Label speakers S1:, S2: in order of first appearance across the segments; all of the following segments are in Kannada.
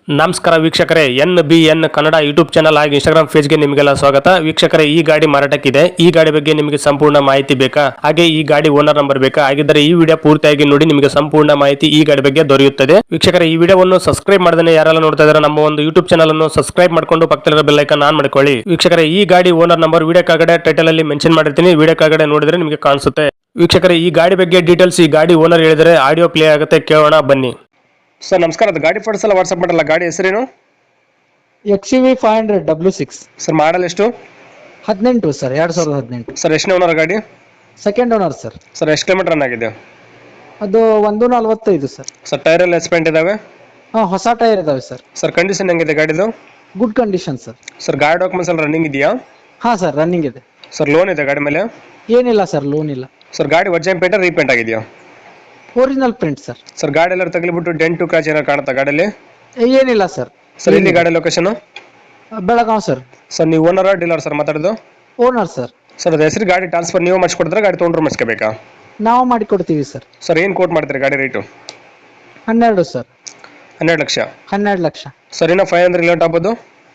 S1: ನಮಸ್ಕಾರ ವೀಕ್ಷಕರೇ, NBN ಕನ್ನಡ ಯೂಟ್ಯೂಬ್ ಚಾನಲ್ ಹಾಗೂ ಇನ್ಸ್ಟಾಗ್ರಾಮ್ ಪೇಜ್ಗೆ ನಿಮಗೆಲ್ಲ ಸ್ವಾಗತ. ವೀಕ್ಷಕರೇ, ಈ ಗಾಡಿ ಮಾರಾಟಕ್ಕಿದೆ. ಈ ಗಾಡಿ ಬಗ್ಗೆ ನಿಮಗೆ ಸಂಪೂರ್ಣ ಮಾಹಿತಿ ಬೇಕಾ? ಹಾಗೆ ಈ ಗಾಡಿ ಓನರ್ ನಂಬರ್ ಬೇಕಾ? ಹಾಗಿದ್ದರೆ ಈ ವಿಡಿಯೋ ಪೂರ್ತಿಯಾಗಿ ನೋಡಿ, ನಿಮಗೆ ಸಂಪೂರ್ಣ ಮಾಹಿತಿ ಈ ಗಾಡಿ ಬಗ್ಗೆ ದೊರೆಯುತ್ತದೆ. ವೀಕ್ಷಕರೇ, ಈ ವಿಡಿಯೋವನ್ನು ಸಬ್ಸ್ಕ್ರೈಬ್ ಮಾಡದೇ ಯಾರೆಲ್ಲ ನೋಡ್ತಾ ಇದ್ದಾರೆ ನಮ್ಮ ಒಂದು ಯೂಟ್ಯೂಬ್ ಚಾನಲ್ ಅನ್ನು ಸಬ್ಸ್ಕ್ರೈಬ್ ಮಾಡ್ಕೊಂಡು ಪಕ್ಕದಲ್ಲಿರೋ ಬೆಲ್ ಐಕಾನ್ ಆನ್ ಮಾಡ್ಕೊಳ್ಳಿ. ವೀಕ್ಷಕರೇ, ಈ ಗಾಡಿ ಓನರ್ ನಂಬರ್ ವಿಡಿಯೋ ಕೆಳಗಡೆ ಟೈಟಲ್ ಅಲ್ಲಿ ಮೆನ್ಷನ್ ಮಾಡಿರ್ತೀನಿ, ವಿಡಿಯೋ ಕೆಳಗಡೆ ನೋಡಿದ್ರೆ ನಿಮಗೆ ಕಾಣಿಸುತ್ತೆ. ವೀಕ್ಷಕರೇ, ಈ ಗಾಡಿ ಬಗ್ಗೆ ಡೀಟೇಲ್ಸ್ ಈ ಗಾಡಿ ಓನರ್ ಹೇಳಿದರೆ ಆಡಿಯೋ ಪ್ಲೇ ಆಗುತ್ತೆ, ಕೇಳೋಣ ಬನ್ನಿ. ಸರ್ ನಮಸ್ಕಾರ, ಅದು ಗಾಡಿ ಫೋಟೋಸ್ ಎಲ್ಲ ವಾಟ್ಸ್ಆಪ್ ಮಾಡಲ್ಲ. ಗಾಡಿ ಹೆಸರೇನು?
S2: XUV 500 W6
S1: ಸರ್ ಮಾಡಲ್ ಎಷ್ಟು?
S2: 18 ಸರ್, 2018.
S1: ಸರ್ ಎಷ್ಟನೇ ಓನರ್ ಗಾಡಿ?
S2: Second owner sir.
S1: ಸರ್ ಎಷ್ಟು ಕಿಲೋಮೀಟರ್ ರನ್ ಆಗಿದೆ?
S2: ಅದು 145 ಸರ್.
S1: ಸರ್ ಟೈರ್ ಎಲ್ಲ ಎಸ್ಪೆಂಟ್ ಇದಾವೆ?
S2: ಹೊಸ ಟೈರ್ ಇದಾವೆ ಸರ್.
S1: ಸರ್ ಕಂಡೀಷನ್ ಹೆಂಗಿದೆ ಗಾಡಿದು?
S2: Good condition sir.
S1: ಸರ್ ಗಾಡಿ ಡಾಕ್ಯುಮೆಂಟ್ಸ್ ಎಲ್ಲ ರನ್ನಿಂಗ್ ಇದೆಯಾ?
S2: ಸರ್ ರನ್ನಿಂಗ್ ಇದೆ.
S1: ಸರ್ ಲೋನ್ ಇದೆ ಗಾಡಿ ಮೇಲೆ?
S2: ಏನಿಲ್ಲ ಸರ್, ಲೋನ್ ಇಲ್ಲ.
S1: ಸರ್ ಗಾಡಿ ಒರಿಜಿನಲ್ ಪೇಂಟ್ ರೀಪೇಂಟ್ ಆಗಿದೆಯಾ?
S2: Original print sir.
S1: ಸರ್ ಗಾಡಿ ಎಲ್ಲ ತಗಲಿಬಿಟ್ಟು ಡೆಂಟು ಕ್ರಾಚ್ ಏನಾರು ಕಾಣುತ್ತಾ ಗಾಡಿಯಲ್ಲಿ?
S2: ಏನಿಲ್ಲ ಸರ್.
S1: ಸರ್ ಇಲ್ಲಿ ಗಾಡಿ ಲೊಕೇಶನ್?
S2: ಬೆಳಗಾವ್ ಸರ್.
S1: ಸರ್ ನೀವು ಓನರ್ ಡೀಲರ್ ಸರ್ ಮಾತಾಡೋದು?
S2: Owner sir.
S1: ಸರ್ ಅದು ಹೆಸರು ಗಾಡಿ ಟ್ರಾನ್ಸ್ಫರ್ ನೀವು ಮಾಡಿಸ್ಕೊಡ್ತಾರೆ, ಗಾಡಿ ತೊಗೊಂಡ್ರು ಮಾಡಿಸ್ಕೋಬೇಕಾ?
S2: ನಾವು ಮಾಡಿಕೊಡ್ತೀವಿ ಸರ್.
S1: ಸರ್ ಏನು ಕೋಟ್ ಮಾಡ್ತೀರಿ ಗಾಡಿ rate?
S2: 12 sir.
S1: 12 lakh.
S2: 12 lakh.
S1: Sir ಇನ್ನೂ 500 ಲೇಟ್ ಆಗ್ಬೋದು?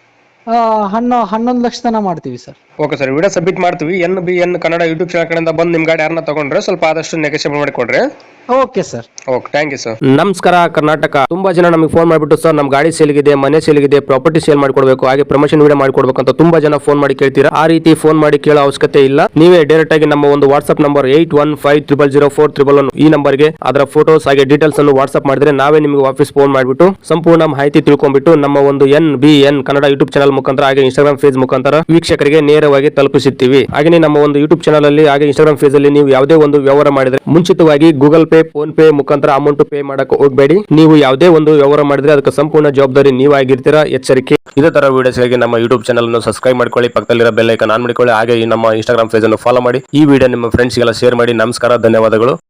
S2: 11 ಲಕ್ಷ ತನಕ ಮಾಡ್ತೀವಿ sir.
S1: Okay sir, video submit ಮಾಡ್ತೀವಿ. NBN ಕನ್ನಡ ಯೂಟ್ಯೂಬ್ ಚಾನಲ್ ಕಡೆಯಿಂದ ಬಂದು ನಿಮ್ಮ ಗಾಡಿ ಯಾರನ್ನ ತಗೊಂಡ್ರೆ ಸ್ವಲ್ಪ ಆದಷ್ಟು ನೆಗೋಷಿಯೇಟ್ ಮಾಡಿಕೊಡ್ರಿ.
S2: Okay sir.
S1: Okay, thank you sir. ನಮಸ್ಕಾರ ಕರ್ನಾಟಕ. ತುಂಬಾ ಜನ ನಮಗೆ ಫೋನ್ ಮಾಡಿಬಿಟ್ಟು ಸರ್ ನಮ್ಮ ಗಾಡಿ ಸೇಲ್ಗಿದೆ, ಮನೆ ಸೇಲ್ಗಿದೆ, ಪ್ರಾಪರ್ಟಿ ಸೇಲ್ ಮಾಡಿಕೊಡ್ಬೇಕು, ಹಾಗೆ ಪ್ರಮೋಷನ್ ವಿಡಿಯೋ ಮಾಡಿಕೊಡ್ಬೇಕು ಅಂತ ತುಂಬಾ ಜನ ಫೋನ್ ಮಾಡಿ ಕೇಳ್ತೀರಾ. ಆ ರೀತಿ ಫೋನ್ ಮಾಡಿ ಕೇಳೋ ಅವಶ್ಯಕತೆ ಇಲ್ಲ. ನೀವೇ ಡೈರೆಕ್ಟ್ ಆಗಿ ನಮ್ಮ ಒಂದು ವಾಟ್ಸ್ಆಪ್ ನಂಬರ್ 81500411 ಈ ನಂಬರ್ಗೆ ಅದರ ಫೋಟೋಸ್ ಹಾಗೆ ಡೀಟೇಲ್ಸ್ ಅನ್ನು ವಾಟ್ಸ್ಆಪ್ ಮಾಡಿದ್ರೆ ನಾವೇ ನಿಮಗೆ ವಾಪಸ್ ಫೋನ್ ಮಾಡಿಬಿಟ್ಟು ಸಂಪೂರ್ಣ ಮಾಹಿತಿ ತಿಳ್ಕೊಂಡ್ಬಿಟ್ಟು ನಮ್ಮ ಒಂದು NBN ಕನ್ನಡ ಯೂಟ್ಯೂಬ್ ಚಾನಲ್ ಮುಖಾಂತರ ಹಾಗೆ ಇನ್ಸ್ಟಾಗ್ರಾಮ್ ಪೇಜ್ ಮುಖಾಂತರ ವೀಕ್ಷಕರಿಗೆ ನೇರವಾಗಿ ತಲುಪಿಸುತ್ತೀವಿ. ಹಾಗೆ ನಮ್ಮ ಒಂದು ಯೂಟ್ಯೂಬ್ ಚಾನಲ್ ಅಲ್ಲಿ ಹಾಗೆ ಇನ್ಸ್ಟಾಗ್ರಾಮ್ ಪೇಜ್ ಅಲ್ಲಿ ನೀವು ಯಾವುದೇ ಒಂದು ವ್ಯವಹಾರ ಮಾಡಿದ್ರೆ ಮುಂಚಿತವಾಗಿ ಗೂಗಲ್ ಪೇ, ಫೋನ್ ಪೇ ಮುಖಾಂತರ ಅಮೌಂಟ್ ಪೇ ಮಾಡಕ್ಕೆ ಹೋಗಬೇಡಿ. ನೀವು ಯಾವುದೇ ಒಂದು ವ್ಯವಹಾರ ಮಾಡಿದ್ರೆ ಅದಕ್ಕೆ ಸಂಪೂರ್ಣ ಜವಾಬ್ದಾರಿ ನೀವಾಗಿರ್ತೀರಾ, ಎಚ್ಚರಿಕೆ. ಇದೇ ತರ ವಿಡಿಯೋಸ್ಗಾಗಿ ನಮ್ಮ ಯೂಟ್ಯೂಬ್ ಚಾನಲ್ ಅನ್ನು ಸಬ್ಸ್ಕ್ರೈಬ್ ಮಾಡ್ಕೊಳ್ಳಿ, ಪಕ್ಕದಲ್ಲಿರೋ ಬೆಲ್ ಐಕಾನ್ ಆನ್ ಮಾಡಿಕೊಳ್ಳಿ, ಹಾಗೆ ಈ ನಮ್ಮ ಇನ್ಸ್ಟಾಗ್ರಾಮ್ ಪೇಜ್ ಅನ್ನು ಫಾಲೋ ಮಾಡಿ. ಈ ವಿಡಿಯೋ ನಿಮ್ಮ ಫ್ರೆಂಡ್ಸ್ಗೆಲ್ಲ ಶೇರ್ ಮಾಡಿ. ನಮಸ್ಕಾರ, ಧನ್ಯವಾದಗಳು.